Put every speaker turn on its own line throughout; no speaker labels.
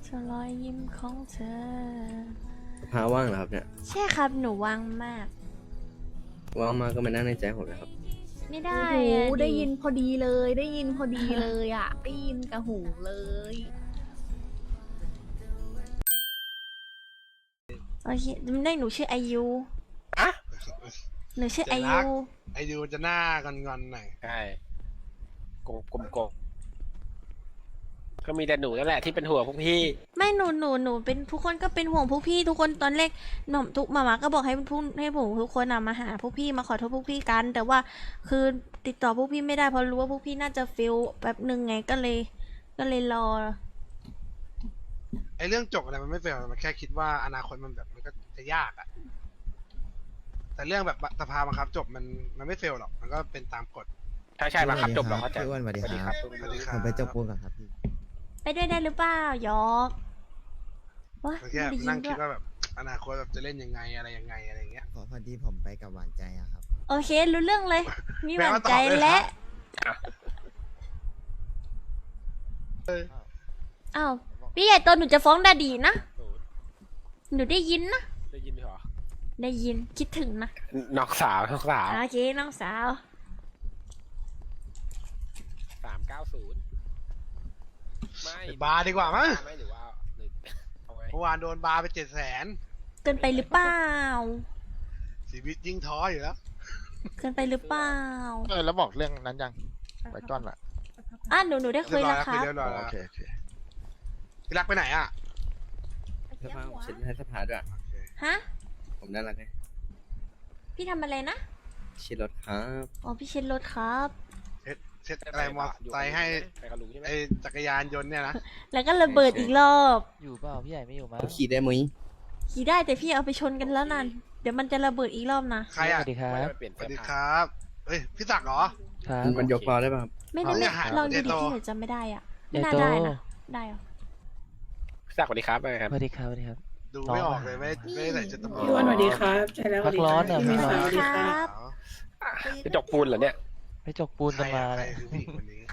เธอรอยยิ้มของเธอ
สภาว่างเหรอครับเนี่ย
ใช่ครับหนูว่างมาก
ว่างมากก็มานั่งในใจผมนะครับ
ไม่ได้
โอ้โห
อะ
ได้ยินพอดีเลย ได้ยินพอดีเลยอ่ะ ได้ยินกับหูเลย
โอเคได้หนูชื่ออายุ
อะ
หนูชื่ออา
เดี๋ยว
ยุ
นะ ไอยูจะหน้างอนๆหน่อย
ใช่กลมก็มีแต่หนูนั่นแหละที่เป็นห่วงพวกพี่
ไม่หนูเป็นทุกคนก็เป็นห่วงพวกพี่ทุกคนตอนแรกหน่อมทุกมาก็บอกให้พวกให้ผมทุกคนมาหาพวกพี่มาขอโทษพวกพี่กัน แต่ว่าคือติดต่อพวกพี่ไม่ได้เพราะรู้ว่าพวกพี่น่าจะฟิลแป๊บหนึ่งไงก็เลยรอ
ไอเรื่องจบอะไรมันไม่เฟลมันแค่คิดว่าอนาคตมันแบบมันก็จะยากอะแต่เรื่องแบบสภาบังคับจบมันไม่เฟลหรอก มันก็เป็นตามกฎ
ใช่มาครับจบแล้วเข้าใจ
พี่อ้วนสวัสดีครับ
สวัสดีค
ผ
รับ
มไปจบปูนก่อนครับพี่
ไปด้วยได้หรือเปล่ายอกวะ
มันแค่
ไม่ได้ยิ
นั่
น
ง
ด้
คิ
ว
ด
ย
ว่าแบบอนาคตแบบจะเล่นยังไงอะไรยังไงอะไรเงี้ย
พอดีผมไปกับหวานใจอะครับ
โอเครู้เรื่องเลย มีห
แปล
วั่น
ว่าตอบ
ใจ
เลย
และ
ครับ
อ้าวพี่ใหญ่โตหนูจะฟ้องดาดีนะ หนูได้ยินนะ
ได้ยินไหมหรอ
ได้ยินคิดถึงนะ
น้องสาว
โอเคน้องสาว
390ไม่
ไปบาร์ดีกว่ามั้ง
ไม่หรือว่าหรือเอาไง
เมื่อวานโดนบาร์ไป700,000
เกินไปหรือเปล่า
ชีวิตยิ่งท้ออยู่แล้ว
เกินไปหรือเปล่า
แล้วบอกเรื่องนั้นยังไว้ก้อนละ
อ่ะหนูได้คุยแล้วครับ
เรียบร้อยแล้ว
โอเคโอเค
พี่รักไปไหนอ่ะ
สภาผมเช็ดให้สภาด้วย
โอเค
ฮะ
ผมน่ารักไง
พี่ทำอะไรนะ
เช็ดรถครับ
อ๋อพี่เช็ดรถครับ
เช็ดอะไรมอไซค์ให้
ไปกับลุงใช่ไหม
ไอจักรยานยนต์เนี่ยนะ
แล้วก็ระเบิดอีกรอบ
อยู่เปล่าพี่ใหญ่ไม่อยู่มั้ง
เขาขี่ได้มั้ย
ขี่ได้แต่พี่เอาไปชนกันแล้วนั่นเดี๋ยวมันจะระเบิดอีกรอบนะ
ใคร
ส
อ่ะ
วัสดีครับ
ไม่ได้ไปเปลี่ยน
ส
เสื้
วั
อ
สดีค
ผ้า
รับ เฮ้ย พี่ศักดิ์เหรอ
ครับ
มันยกล้อได้ป่ะครับ
ไม่ได้
เอา
ไม่
เนี่ยหา
ลองดู
เจ
ดิ
โต
พี่หนูจำไม่ได้อ่ะ
ให
ไม่
ญ่
น่า
โต
ได้นะได้เหรอ
พี่ศักดิ์สวัสดีครับเป็นไงครับ
สวัสดีครับสวัสดีครับ
ดูไม่ออกเลยไม่ได้ใส่ชุดตำรวจ
พี่อ้วนสวัสดีครับใช่แล้ว
พักร้อนเหรอ
พี่
พักร้อน
สวัสดีครับ
จะจกปูนเหรอเนี่ย
ไปจกปูน
ใคร
กัน
อะ
มา
ใคร
เนี่ย
คือผู้หญิงคนนี้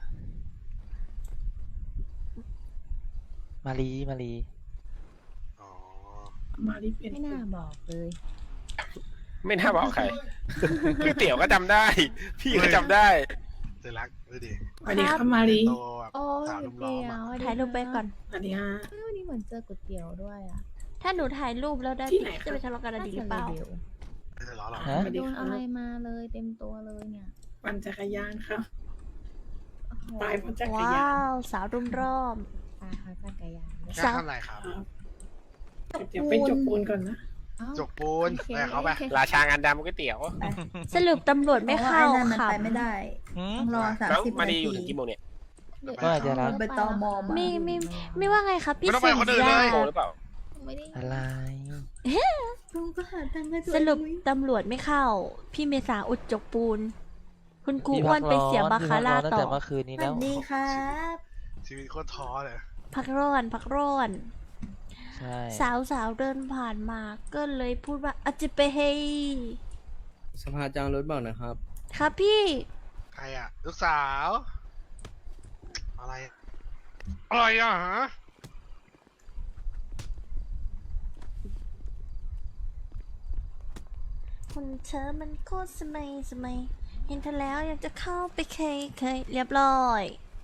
มารี
อ๋อ
มาดิเป็น
ไม่น่าบอกเลย
ไม่น่าบอกใครพี่เตี๋ยวก็จำได้ พี่ก็จำได้
เจรักดูดิ
สวัสดีครับมาดิ
โตแบบ
โอ้
สาวย ลุมล้อมอะ
ถ่ายรูปไปก่อน
สวัสดีฮะ
วันนี้เหมือนเจอก๋วยเตี๋ยวด้วยอ่ะ
ถ้าหนูถ่ายรูปแล้วได้
ที่ไหนครับ
จะไปทะเลาะกันอะดีหรือเปล่า
น่จะว
ไม่ได้ล้อหรอก
ฮะ
สวัสดี
โดน
ครั
อะไร
บ
มาเลยเต็มตัวเลยเนี่ย
ปั่นจักรยานครับ
โอ้โห
ไปเพราะจักร
ว้
ยาน
าวสาวรุมรอบ
ตาเขาจักรยานด้วย
แค่ทำอะไรครับ
ครับเดี๋ยวไปจกปูนก่อนนะ
เอ้า
จกปูน
โอค
ไปเขาไป
โอเค
ราชางานดำก๋วยเตี๋ยว
สรุปตำรวจไม่เข้า
พระว่อ้นั่นมัน
ค่ะ
ไปไม่ได้
หืม
ต้องรอ30
แล้วมา
นา
ดี
ที
อยู่ถึงกี่โมงเนี่ย
ก็อาจจะรัก
ไปตอมอมา
ไม่ว่าไงครับพี่
ไม่ต้องไป
สุ
คนอื่น
ยา
เลย
โมงหรือเปล่า
ไม่ได้
อะไร
ลุงก็หาทางให้ตัว
สรุป
เอง
ตำรวจไม่เข้า พี่เมษาอุดจกปูน คุณครู
พี่
อ้วนไปเสียบาคาร่า
ตั้ง
ต่
แต่
อ
เมื่อคืนนี้
ส
แล้
วั
ว
สดีครับ
ชีวิตโคตรท้อเลย
พักร้อนพักร้อน
ใช่
สาวเดินผ่านมาก็เลยพูดว่าอาจจะไปเฮย
สภาจ้างรถบอกนะครับ
ครับพี่
ใครอ่ะ ลูกสาว อะไรอะไรอ่ะฮะ
คุณเธอมันโคตรสมัยเห็นเธอแล้วอยากจะเข้าไปเคยเรียบร้อย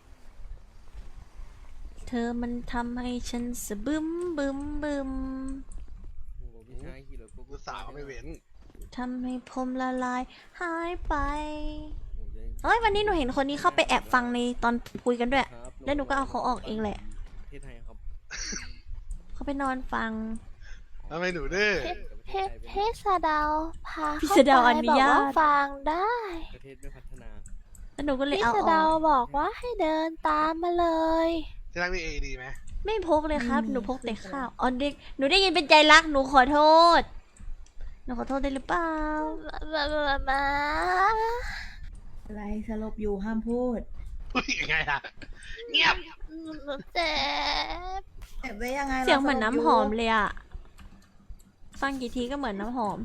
เธอมันทำให้ฉันสะบึมบึม
โอ้โหพี่ชายขี่รถปุ๊บ
ลูกสาวไม่เว้น
ทำให้ผมละลายหายไป
โอ้โห
เอ้ยวันนี้หนูเห็นคนนี้เข้าไปแอบฟังในตอนคุยกันด้วย
ครับ
แล้วหนูก็เอาเขาออกเองแหละ
ประเทศไทยครับ
เขาไปนอนฟัง
ทำไมหนูดื้อ
เพศดาวพาพี่สะดาวอนุญาต
ฟังได้
ประเทศไม่พัฒนา
แล้วหนูก็เลย
พี่
เอา
สะ
อ
เดา
อก
บอกว่าให้เดินตามมาเลย
ที่รักมีเอดีไหม
ไม่พกเลยครับ หนูพกแต่ข้าวอ๋อเด็กหนูได้ยินเป็นใจรักหนูขอโทษ หนูขอโทษได้หรือเปล่า
มา
อะไรสลบอยู่ห้ามพูด
อุ้ยยังไงล่ะ เงียบ
หนูเจ็บ
เก็บไว้ยังไง
เสียงเหมือน
ราสลบ
น้ำหอมเลยอะฟังกี่ทีก็เหมือนน้ำหอม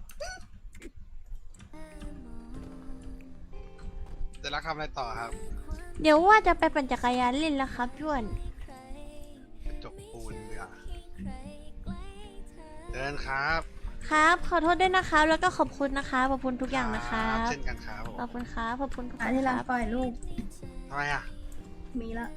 เจะรักทำอะไรต่อครับ
เดี๋ยวว่าจะไปปั่นจักรยานเล่นแล้วครับพี่อ้วน
จกเดินครับ
ครับ ขอโทษด้วยนะคะแล้วก็ขอบคุณนะคะขอบคุณทุกอย่างนะคะ
เช่นกันครับผม
ขอบคุณครับขอบคุณทุกค
อัน
น
ที่
ค
รัก
รับ
ปล่อยลูก
ทำไมอ่ะ
มีละ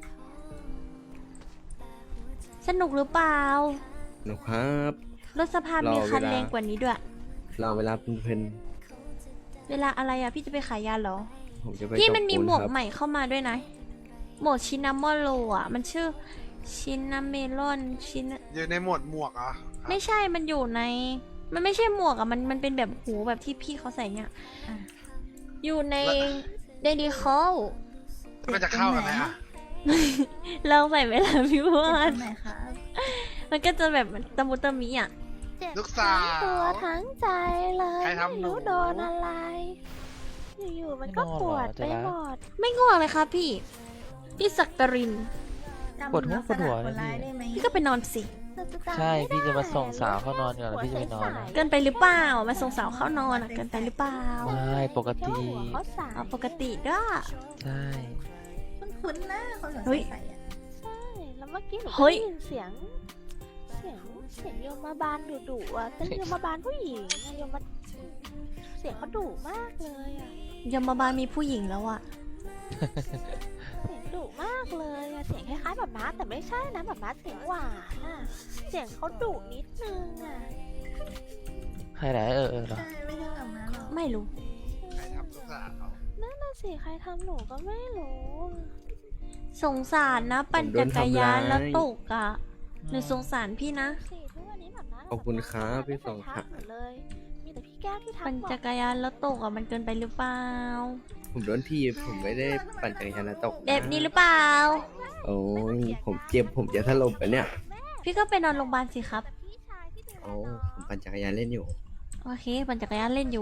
สนุกหรือเปล่า
หนูครับ
รถสภามีคัน
รอเวลา
แรงกว่านี้ด้วย
เราเวลาเพลิน
เวลาอะไรอ่ะพี่จะไปขายยาเหรอ
ๆผมจะไป
พี่มันมี
จบปู
หมวก
ครับ
ใหม่เข้ามาด้วยนะ หมวกชินามอโลอ่ะ มันชื่อชินาเมลอนชิน
อยู่ในหมวดหมวกเหรอ
ไม่ใช่ มันอยู่ใน มันไม่ใช่หมวกอ่ะ มันเป็นแบบหูแบบที่พี่เขาใส่เนี่ย
อ่ะ
อยู่ในเดลิคอล
มันจะเข้ากันไหมอ่ะ
เราใส่ไหมล่ะพี่วอ
ตร
น
งไหนครับ
มันก็จะแบบตะมุตะมิอ่ะ
เจ็บ
ลูกสาว
ทั้งตัวทั้งใจเลย
ใครทำหนู
ไม่รู้โดนอะไร อยู่ๆมันก็ปวดไปหมด
ไม่ง่วงเลยครับพี่ พี่สักตริน
จำ
ปวดหัว
ลักษ
ปวดหั
ณะ
ว
คนร้าย
นะ
ได้ไหม
พี่ก็ไปนอนสิ
ใช่พี่จะมาส่งสาวเข้านอนก่อนแล้วพี่จะไปนอนนะ
เกินไปหรือเปล่า มาส่งสาวเข้านอนอ่ะ เกินไปหรือเปล่า
ไม่ปก
แค่
ติ
หัวเขาสาย
เอาปกติด้วย
ใช่
คุ้นๆนะคนหัว
เฮ้ย
ใสๆอ่ะ
ใช่แล้วเมื่อกี้หนู
เฮ้
ก็
ย
ได้ยินเสียงโยมบาลดุๆอ่ะเป็นโยมบาลผู้หญิงอะโยมมาเสียงเขาดุมากเลยอ่ะ
ยมบาลมีผู้หญิงแล้วอ่ะ
เสียงดุมากเลยอะเสียงคล้ายๆแบบม้าแต่ไม่ใช่นะแบบม้าเสียงหวานอ่ะเสียงเขาดุนิดนึงอ่ะ
ใครไหนเหรอ
ใช่ไม่ใช่แบบนั้นหรอก
ไม่รู้
ใครทำลูกสาว
นั่นน่ะสิใครทำหนูก็ไม่รู้
สงสารนะ ปั่นจักรยานแล้วตกอ่ะหนูสงสารพี่นะ
สิทุกวันนี้แบบม้า
ขอบคุณครับพี่สอง
ทั
ค่ะ
กหนูเลยมีแต่พี่แก้วที่ทัก
ปั่น
บอก
จักรยานแล้วตกอ่ะ มันเกินไปหรือเปล่า
ผมโดนทีบผมไม่ได้ปั่นจักรยานแล้วตกะ
แบบนี้หรือเปล่า
โอ้ยผมเจ็บผมจะถลบไปเนี่ย
พี่ก็ไปนอนโรงพยาบาลสิครับ
พี่ชายที่เดิน
โอ้ผมปั่นจักรยานเล่นอยู่
โอเค ปั่นจักรยานเล่นอยู่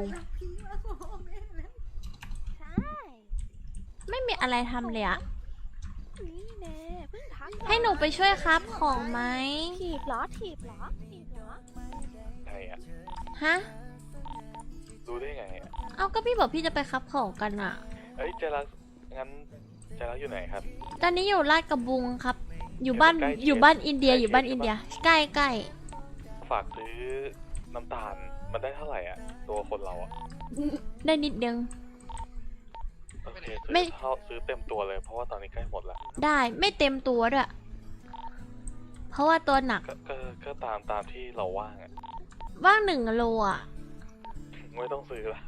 ใช่
ไม่มีอะไรทำเลยอะ
นี่แน่เพิ่งทัก
ให้หนูไปช่วยครับของไหม
ถีบเหรอถีบเหรอถีบเหรอ
ใช่อ่ะ
ฮะ
รู้ได้ไงอ่ะ
เอาก็พี่บอกพี่จะไปครับของกันอะ
เอ้ยใจรักงั้นใจรักอยู่ไหนครับ
ตอนนี้อยู่ลาดกระบุงครับ อยู่บ้าน
ใกล้เคียง
อยู่บ้านอินเดีย
ใกล้
อยู่บ้าน
เคียง
อินเดีย
ใช่ปะ
ใกล้ใกล้
ฝากซื้อน้ำตาลมันได้เท่าไหร่อ่ะ ตัวคนเราอ่ะ
ได้นิดนึง
โอเค
ไม่
ซื้อเต็มตัวเลยเพราะว่าตอนนี้ใกล้หมดละ
ได้ไม่เต็มตัวด้วย เพราะว่าตัวหนัก
ก็ตามที่เราว่างอ่ะ
ว่าง1 โลอะ
ไม่ต้องซื้อละ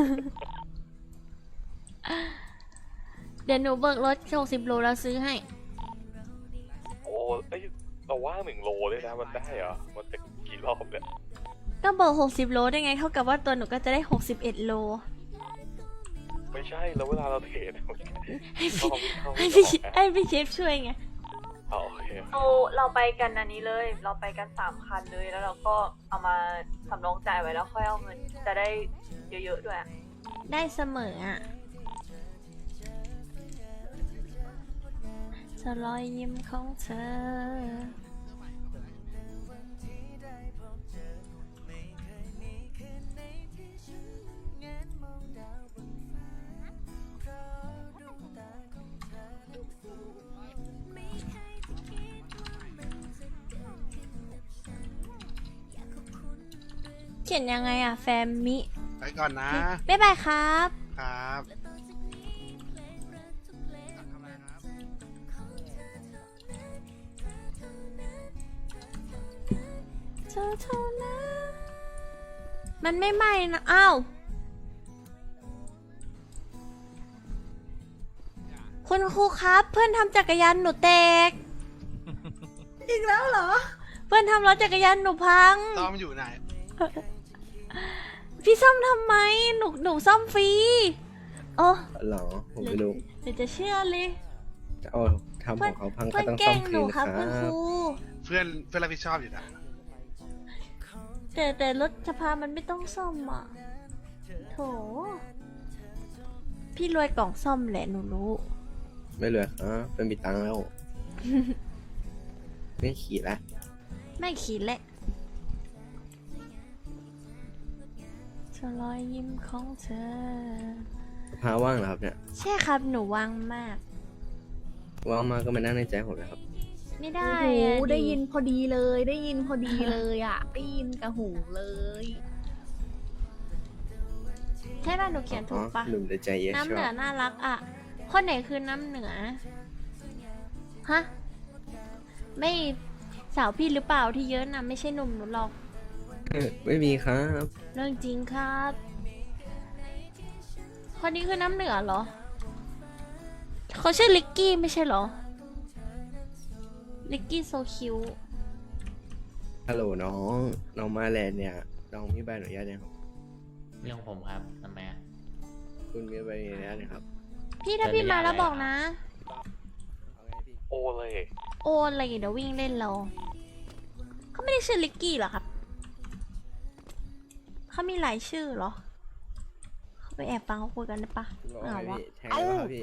เดี๋ยวหนูเบิกรถ60 โลแล้วซื้อให้
โอ้เอ้ยเราว่าง1 โลเลยนะมันได้เหรอมันจะกี่รอบเนี่ย
ก็เบิก60 โลได้ไง เท่ากับว่าตัวหนูก็จะได้61 โล
ไม่ใช่แล้วเวลาเราเทรด
ให้พี่
เข้า
ให้
ไม่
พี่
ออกนะ
ให้พี่เชฟช่วยไง
เอาโอเค
เราไปกันอันนี้เลย เราไปกัน3 คันเลย แล้วเราก็เอามาสำรองจ่ายไว้แล้วค่อยเอาเงิน จะได้เยอะๆด้วยอะ
ได้เสมออ่ะจะรอยยิ้มของเธอ เขียนยังไงอ่ะ แฟมมิ
ไปก่อนนะ
บ๊ายบายครับ
ครับทำอะไรครับ
เธอเท่านั้นมันไม่ไหม้นะ อ้าว คุณครูครับ เพื่อนทำจักรยานหนูแตก
อีกแล้วเหรอ
เพื่อนทำรถจักรยานหนูพัง
ซ้อมอยู่ไหน
พี่ซ่อมทำไม หนูซ่อมฟรีโอ้
เหรอผมไม่รู้
เดี๋ยวจะเชื่อเลย
จะเอาทำของเขาพังก็
เพื่อน
ต้อง
แก
ซ่
ล้
อม
ง
คื
หนู
น
ครับ
ครั
คุณค
บ
รู
เพื่อนรับผิดชอบอยู่นะ
แต่รถสภามันไม่ต้องซ่อมอ่ะโถพี่รวยกล่องซ่อมแหละหนูรู้
ไม่เหลือครับเป็นมีตังค์แล้ว ไม่ขี่ละ
ไม่ขีดแหละจะรอยยิ้มของเธอ
พาว่างเหรอครับเนี่ย
ใช่ครับหนูว่างมาก
ว่างมากก็มานั่งในใจผมนะครับ
ไม่ได้
โอ้โห
อะ
ได้ยินพอดีเลย ได้ยินพอดีเลยอ่ะ ได้ยินกับหูเลย
ใช่ป่ะหนูเขียน
อ๋
ถู
อก
ปะ
หนุ่มแต่ใจเย็น
น้ำ
ช
เหนื
อ
อบ น่ารักอ่ะ คนไหนคือน้ำเหนือ ฮะ ไม่สาวพี่หรือเปล่าที่เยอะน่ะ ไม่ใช่หนุ่มหนูหรอก
ไม่มีครับ
เรื่องจริงครับ คนนี้คือน้ำเหนือเหรอ เขาชื่อลิกกี้ไม่ใช่เหรอ ลิกกี้โซคิว
ฮัลโหลน้องน้องมาแลนด์เนี่ยน้องมีใบอนุญาตยังครับ
เรื่องผมครับทำไมอะ
คุณมีใบอนุญาตยังครับ
พี่ถ้าพี่มาแล้วบอกนะ
เอาไงพี่
โอเลย
โอนอะไรเดี๋ยววิ่งเล่นเราเขาไม่ได้ชื่อลิกกี้เหรอครับ เขามีหลายชื่อเหรอ เขาไปแอบฟังเขาคุยกันได้ปะ
บอก
ไม่
ไง
เอาวะ
พี่แทงแล้วครับพี่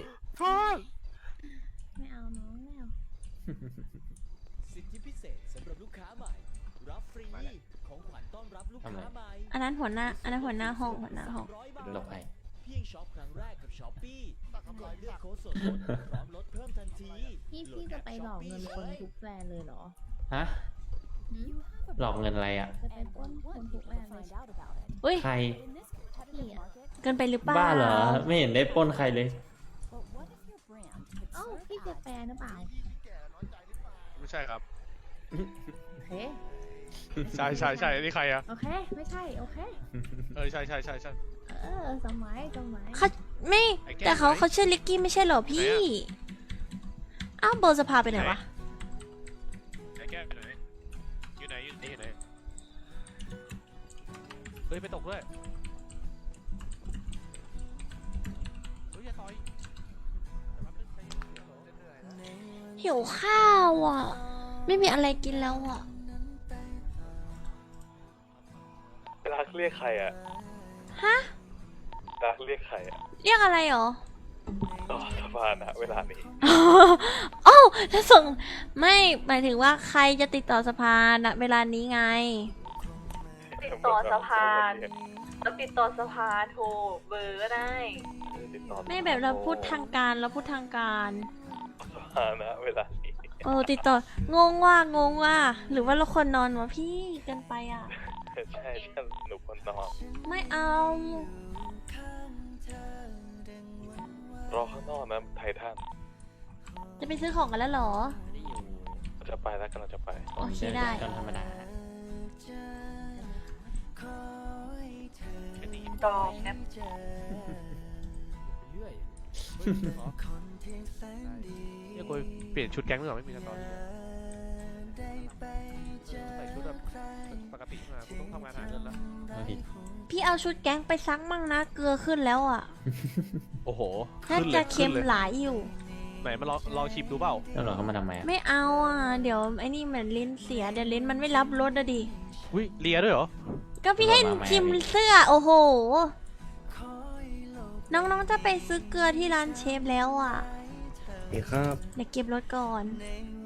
ไม่เอาน้องไม่เอา
สิทธิพิเศษสำหรับลูกค้าใหม่ รับฟรี ของขวัญต้อนรับลูกค้าใหม่
อันนั้นหัวหน้าห้องหัวหน้าห้อง
300 บาท
หลบไป
เพียงช็อปครั้งแรกกับช้อปปี้กดเลือกโค้ดส่วนลดพร้อมลดเพิ่มทันที
พี่จะไปหลอกเงินคนทุกแบรนด์เลยเหรอ
ฮะ หลอกเงินอะไรอ่ะ
จะไปปล้นคนทุกแบรนด์เลย
อุ้ย
ใคร
พี่อ่ะ
เกินไปหรือเปล่า
บ้าเหรอ ไม่เห็นได้ปล้นใครเลย
เอ้าพี่จะแปลหรือเปล่า
ไม่ใช่ครับ
โอเค
ใช่นี่ใครอะ
โอเค ไม่ใช่ โอเค
ใช่
สมัย
เขาไม่
ไอ้แก้ว
แต่เขา
ไหน
เขาชื่อลิกกี้ไม่ใช่เหรอพี่
ไหนอะ
อ้าวโบจะพาไปไหนวะ
ไอ้แก้วอยู่ไหนอยู่ไหนเฮ้ยไปตกด้วยเฮ้ยอย่าต่อย
หิวข้าวอ่ะ ไม่มีอะไรกินแล้วอ่ะ
รักเรียกใครอะ
ฮะ
รักเรียกใครอะ
เรียกอะไรหรอ
ต่อสะพานอะเวลานี้
โอ้าวแล้วส่งไม่หมายถึงว่าใครจะติดต่อสภาณเวลานี้ไง
ติดต่อสะพานแล้วติดต่อสะพานโทรเบอร์ก็ได้
ติดต่อ
ไม่แบบเราพูดทางการเราพูดทางการ
สะพานอะเวลานี้
โอ้ติดต่องงว่า หรือว่าเราคนนอนวะพี่เกินไปอ่ะ
ใช่หนูคนนอน
ไม่เอา
รอข้างนอกนะไททัน
จะไปซื้อของกันแล้วเหรอ
จะไปแล้วกำลังจะไป
โอเคได้
กันธรรมดา
ดอกแอป
เรื่อยเนี่ยกูเปลี่ยนชุดแก๊งหรือเปล่าไม่มีกันตอนนี้ใส่ชุดแบบปกติมากูต้องทำงานหาเงินแล้ว
พี่เอาชุดแก๊งไปซักมั่งนะเกลือขึ้นแล้วอ่ะ
โอ้โห
น่าจะเค็มหลายอยู่
ไหนมาลองชิมดูเปล่า
แล้วหลอกเขามาทำไมอะ
ไม่เอาอ่ะ เดี๋ยวไอ้นี่เหมือนลิ้นเสียเดี๋ยวลิ้นมันไม่รับรสอะดิ
อุ้ยเลียด้วยเหรอ
ก็พี่ให้ชิมเสื้อโอ้โห น้องๆจะไปซื้อเกลือที่ร้านเชฟแล้วอ่ะ
ดีครับ
เดี๋ยวเก็บรถก่อน
ค